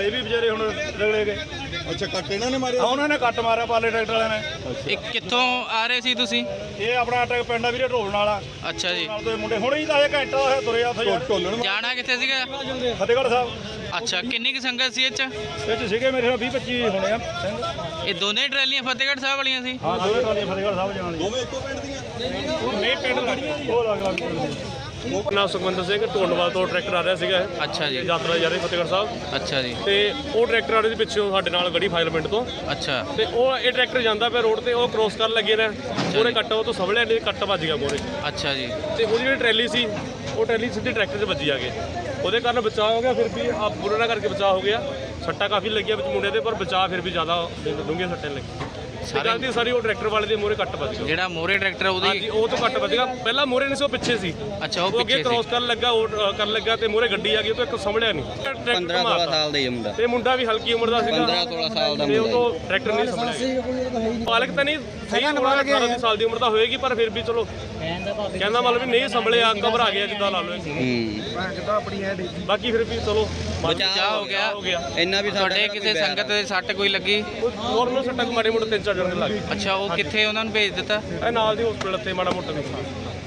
ਵਾਲੇ ਵੀ ਵਿਚਾਰੇ ਹੁਣ ਰਗੜੇ ਗਏ। ਅੱਛਾ, ਕੱਟ ਇਹਨਾਂ ਨੇ ਮਾਰਿਆ? ਉਹਨਾਂ ਨੇ ਕੱਟ ਮਾਰਿਆ ਪਾਲੇ ਟਰੈਕਟਰ ਵਾਲਿਆਂ ਨੇ। ਇਹ ਕਿੱਥੋਂ ਆ ਰਹੇ ਸੀ ਤੁਸੀਂ? ਇਹ ਆਪਣਾ ਟਰੈਕ ਪਿੰਡ ਆ ਵੀਰੇ ਢੋਲ ਵਾਲਾ। ਅੱਛਾ ਜੀ। ਨਾਲ ਦੇ ਮੁੰਡੇ ਹੁਣੇ ਹੀ ਤਾਂ ਇਹ ਘੰਟਾ ਹੋਇਆ ਤੁਰੇ ਆ ਉੱਥੇ ਯਾਰ। ਢੋਲਣ ਜਾਣਾ ਕਿੱਥੇ ਸੀਗਾ? ਫਤਿਹਗੜ੍ਹ ਸਾਹਿਬ। ਅੱਛਾ, ਕਿੰਨੀ ਕੁ ਸੰਗਤ ਸੀ ਇਹ 'ਚ? ਇਹ 'ਚ ਸੀਗੇ ਮੇਰੇ ਨਾਲ 20-25 ਹੋਣੇ ਆ ਸਿੰਘ। ਇਹ ਦੋਨੇ ਟਰਾਲੀਆਂ ਫਤਿਹਗੜ੍ਹ ਸਾਹਿਬ ਵਾਲੀਆਂ ਸੀ? ਹਾਂ, ਦੋਵੇਂ ਟਰਾਲੀਆਂ ਫਤਿਹਗੜ੍ਹ ਸਾਹਿਬ ਜਾਣ ਦੀਆਂ। ਦੋਵੇਂ ਇੱਕੋ ਪਿੰਡ ਦੀਆਂ? ਨਹੀਂ, ਪਿੰਡ ਲੱਗਦੀਆਂ ਜੀ। ਉਹ ਲੱਗ ਲੱਗ ਨਾਮ ਸੁਖਵਿੰਦਰ ਸਿੰਘ ਢੋਲਵਾਲ ਤੋਂ ਟਰੈਕਟਰ ਆ ਰਿਹਾ ਸੀਗਾ ਇਹ। ਅੱਛਾ ਜੀ। ਯਾਤਰਾ ਜਾ ਰਹੀ ਫਤਿਹਗੜ੍ਹ ਸਾਹਿਬ। ਅੱਛਾ ਜੀ। ਤੇ ਉਹ ਟਰੈਕਟਰ ਆ ਰਿਹਾ ਸੀ ਪਿੱਛੋਂ ਸਾਡੇ ਨਾਲ ਗੜੀ ਫਾਇਲ ਪਿੰਡ ਤੋਂ। ਅੱਛਾ। ਤੇ ਉਹ ਇਹ ਟਰੈਕਟਰ ਜਾਂਦਾ ਪਿਆ ਰੋਡ ਤੇ, ਉਹ ਕ੍ਰੋਸ ਕਰਨ ਲੱਗੇ ਨੇ ਮੋਰੇ ਕੱਟ, ਉਹ ਤੋਂ ਸਵਲਿਆ ਨਹੀਂ, ਕੱਟ ਵੱਜ ਗਿਆ ਮੋਰੇ। ਅੱਛਾ ਜੀ। ਤੇ ਉਹਦੀ ਜਿਹੜੀ ਟਰੈਲੀ ਸੀ, ਉਹ ਟਰੈਲੀ ਸਿੱਧੀ ਟਰੈਕਟਰ 'ਚ ਵੱਜੀ ਆ ਕੇ, ਉਹਦੇ ਕਾਰਨ ਬਚਾਅ ਹੋ ਗਿਆ। ਫਿਰ ਵੀ ਆ ਬੁਰਾ ਨਾ ਕਰਕੇ ਬਚਾਅ ਹੋ ਗਿਆ। ਸੱਟਾਂ ਕਾਫੀ ਲੱਗੀਆਂ ਵਿੱਚ ਮੁੰਡੇ ਦੇ, ਪਰ ਬਚਾਅ ਫਿਰ ਵੀ ਜ਼ਿਆਦਾ ਡੂੰਘੀਆਂ ਸੱਟਾਂ ਲੱਗੀ। ਗਲਤੀ ਸਾਰੀ ਉਹ ਟਰੈਕਟਰ ਵਾਲੇ ਦੇ ਮੋਰੇ ਕੱਟ ਵੱਜ ਗਿਆ। ਜਿਹੜਾ ਮੋਰੇ ਟਰੈਕਟਰ ਹਾਂਜੀ, ਉਹਦੀ? ਉਹ ਤੋਂ ਕੱਟ ਵੱਜ ਗਿਆ। ਪਹਿਲਾਂ ਮੋਰੇ ਨਹੀਂ ਸੀ, ਉਹ ਪਿੱਛੇ ਸੀ। ਅੱਛਾ, ਉਹ ਅੱਗੇ ਪਿੱਛੇ ਕ੍ਰੋਸ ਸੀ। ਕਰਨ ਲੱਗਾ, ਉਹ ਕਰਨ ਲੱਗਾ ਤੇ ਮੋਰੇ ਗੱਡੀ ਆ ਗਈ, ਉਹ ਤੋਂ ਇੱਕ ਸੰਭਲਿਆ ਨਹੀਂ। 15-16 ਸਾਲ ਦਾ ਹੀ ਮੁੰਡਾ। ਤੇ ਮੁੰਡਾ ਵੀ ਹਲਕੀ ਉਮਰ ਦਾ ਸੀਗਾ। 15-16 ਸਾਲ ਦਾ ਤੇ ਉਹ ਮੁੰਡਾ। ਤੋਂ ਟਰੈਕਟਰ ਨਹੀਂ ਸੰਭਲਿਆ। ਮਾਲਕ ਤਾਂ ਨਹੀਂ ਸਹੀ, 18 ਸਾਲ ਦੀ ਉਮਰ ਦਾ ਹੋਏਗੀ, ਪਰ ਫਿਰ ਵੀ ਚਲੋ ਕਹਿੰਦਾ ਮਤਲਬ ਵੀ ਨਹੀਂ ਸੰਭਲਿਆ, ਘਬਰਾ ਗਿਆ ਜਿੱਦਾਂ ਲਾ ਲਓ। ਬਾਕੀ ਫਿਰ ਵੀ ਚਲੋ ਬਚਾਅ ਹੋ ਗਿਆ। ਇੰਨਾ ਵੀ ਤੁਹਾਡੇ ਕਿਸੇ ਸੰਗਤ ਦੇ ਸੱਟ ਕੋਈ ਲੱਗੀ? ਨੋਰਮਲ ਸੱਟਾਂ ਮਾੜੇ ਮੋਟੇ 3-4 ਜਣੇ ਲੱਗ ਗਏ। ਅੱਛਾ, ਉਹ ਕਿੱਥੇ ਉਹਨਾਂ ਨੂੰ ਭੇਜ ਦਿੱਤਾ? ਇਹ ਨਾਲ ਦੀ ਹਸਪੀਟਲ ਤੇ ਮਾੜਾ ਮੋਟਾ ਨੁਕਸਾਨ।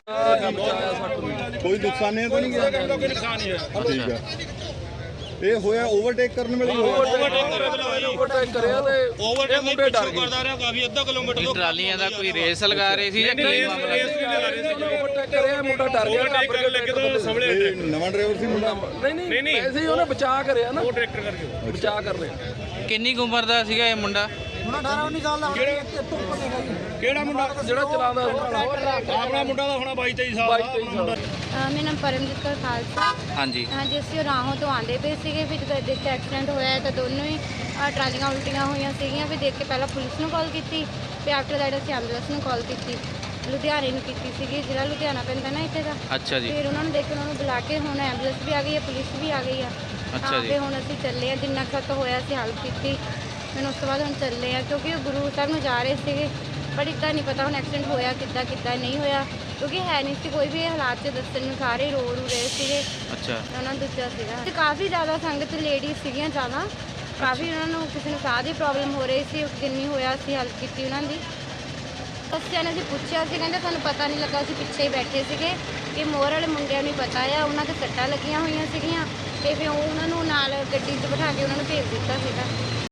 ਕੋਈ ਨੁਕਸਾਨੇ ਤਾਂ ਨਹੀਂ ਗਿਆ? ਕੋਈ ਨੁਕਸਾਨ ਨਹੀਂ ਹੈ। ਠੀਕ ਹੈ। ਇਹ ਹੋਇਆ ਓਵਰਟੇਕ ਕਰਨ ਵੇਲੇ ਹੀ ਹੋਇਆ? ਓਵਰਟੇਕ ਮੁੰਡੇ ਡਰ ਗਏ। ਕਰਦਾ ਰਿਹਾ ਕਾਫੀ ਅੱਧਾ ਕਿਲੋਮੀਟਰ ਇਹ ਟਰਾਲੀਆਂ ਦਾ ਕੋਈ ਰੇਸ ਲਗਾ ਰਹੇ ਸੀ ਜਾਂ ਕੀ ਮਾਮਲਾ? ਮੁੰਡਾ ਡਰ ਗਿਆ, ਓਵਰਟੇਕ ਕਰਨ ਲੱਗੇ ਤਾਂ ਸੰਭਲਿਆ ਇਹ ਨਵਾਂ ਡਰਾਈਵਰ ਸੀ ਮੁੰਡਾ? ਨਹੀਂ ਐਸੇ ਹੀ ਉਹਨੇ ਬਚਾਅ ਕਰਿਆ ਨਾ, ਉਹ ਟਰੈਕਟਰ ਕਰਕੇ ਬਚਾਅ ਕਰ ਲਿਆ। ਕਿੰਨੀ ਕੁ ਉਮਰ ਦਾ ਸੀਗਾ ਇਹ ਮੁੰਡਾ? ਕਿਹੜਾ ਮੁੰਡਾ? ਜਿਹੜਾ ਚਲਾਉਂਦਾ ਆਪਣਾ ਮੁੰਡਾ ਦਾ ਹੋਣਾ 22-23 ਸਾਲ ਦਾ। ਮੇਰਾ ਨਾਮ ਪਰਮਜੀਤ ਕੌਰ ਖਾਲਸਾ। ਹਾਂਜੀ। ਹਾਂਜੀ, ਅਸੀਂ ਰਾਹੋਂ ਤੋਂ ਆਉਂਦੇ ਪਏ ਸੀਗੇ, ਫਿਰ ਜਦੋਂ ਦੇਖ ਕੇ ਐਕਸੀਡੈਂਟ ਹੋਇਆ ਤਾਂ ਦੋਨੋਂ ਹੀ ਟਰਾਲੀਆਂ ਉਲਟੀਆਂ ਹੋਈਆਂ ਸੀਗੀਆਂ। ਫਿਰ ਦੇਖ ਕੇ ਪਹਿਲਾਂ ਪੁਲਿਸ ਨੂੰ ਕਾਲ ਕੀਤੀ, ਫਿਰ ਆਫਟਰ ਦੈਟ ਅਸੀਂ ਐਂਬੂਲੈਂਸ ਨੂੰ ਕਾਲ ਕੀਤੀ, ਲੁਧਿਆਣੇ ਨੂੰ ਕੀਤੀ ਸੀਗੀ, ਜਿਹੜਾ ਲੁਧਿਆਣਾ ਪੈਂਦਾ ਨਾ ਇੱਥੇ ਦਾ। ਅੱਛਾ ਜੀ। ਫਿਰ ਉਹਨਾਂ ਨੂੰ ਦੇਖ ਕੇ ਉਹਨਾਂ ਨੂੰ ਬੁਲਾ ਕੇ ਹੁਣ ਐਂਬੂਲੈਂਸ ਵੀ ਆ ਗਈ ਹੈ, ਪੁਲਿਸ ਵੀ ਆ ਗਈ ਆ। ਅੱਛਾ ਜੀ। ਤੇ ਹੁਣ ਅਸੀਂ ਚੱਲੇ ਆ, ਜਿੰਨਾ ਖਤ ਹੋਇਆ ਅਸੀਂ ਹੈਲਪ ਕੀਤੀ। ਫਿਰ ਉਸ ਤੋਂ ਬਾਅਦ ਹੁਣ ਚੱਲੇ ਆ, ਕਿਉਂਕਿ ਉਹ ਗੁਰੂ ਸਾਹਿਬ ਨੂੰ ਜਾ ਰਹੇ ਸੀਗੇ, ਪਰ ਇੱਦਾਂ ਨਹੀਂ ਪਤਾ ਹੁਣ ਐਕਸੀਡੈਂਟ ਹੋਇਆ ਕਿੱਦਾਂ ਨਹੀਂ ਹੋਇਆ, ਕਿਉਂਕਿ ਹੈ ਨਹੀਂ ਸੀ ਕੋਈ ਵੀ ਇਹ ਹਾਲਾਤ 'ਚ ਦੱਸਣ ਨੂੰ, ਸਾਰੇ ਰੋ ਰਹੇ ਸੀਗੇ। ਅੱਛਾ। ਉਹਨਾਂ ਨੂੰ ਦੱਸਿਆ ਸੀਗਾ ਤੇ ਕਾਫੀ ਜ਼ਿਆਦਾ ਸੰਗਤ ਲੇਡੀਜ਼ ਸੀਗੀਆਂ ਜ਼ਿਆਦਾ, ਕਾਫੀ ਉਹਨਾਂ ਨੂੰ ਕਿਸੇ ਨੂੰ ਸਾਹ ਦੀ ਪ੍ਰੋਬਲਮ ਹੋ ਰਹੀ ਸੀ, ਜਿੰਨੀ ਹੋਇਆ ਅਸੀਂ ਹੈਲਪ ਕੀਤੀ ਉਹਨਾਂ ਦੀ। ਬੱਚਿਆਂ ਨੇ ਅਸੀਂ ਪੁੱਛਿਆ ਸੀ, ਕਹਿੰਦੇ ਸਾਨੂੰ ਪਤਾ ਨਹੀਂ ਲੱਗਾ, ਅਸੀਂ ਪਿੱਛੇ ਹੀ ਬੈਠੇ ਸੀਗੇ, ਕਿ ਮੋਰ ਵਾਲੇ ਮੁੰਡਿਆਂ ਨੂੰ ਪਤਾ ਆ, ਉਹਨਾਂ ਦੇ ਸੱਟਾਂ ਲੱਗੀਆਂ ਹੋਈਆਂ ਸੀਗੀਆਂ, ਤੇ ਫਿਰ ਉਹਨਾਂ ਨੂੰ ਨਾਲ ਗੱਡੀ 'ਚ ਬਿਠਾ ਕੇ ਉਹਨਾਂ ਨੂੰ ਭੇਜ ਦਿੱਤਾ ਸੀਗਾ।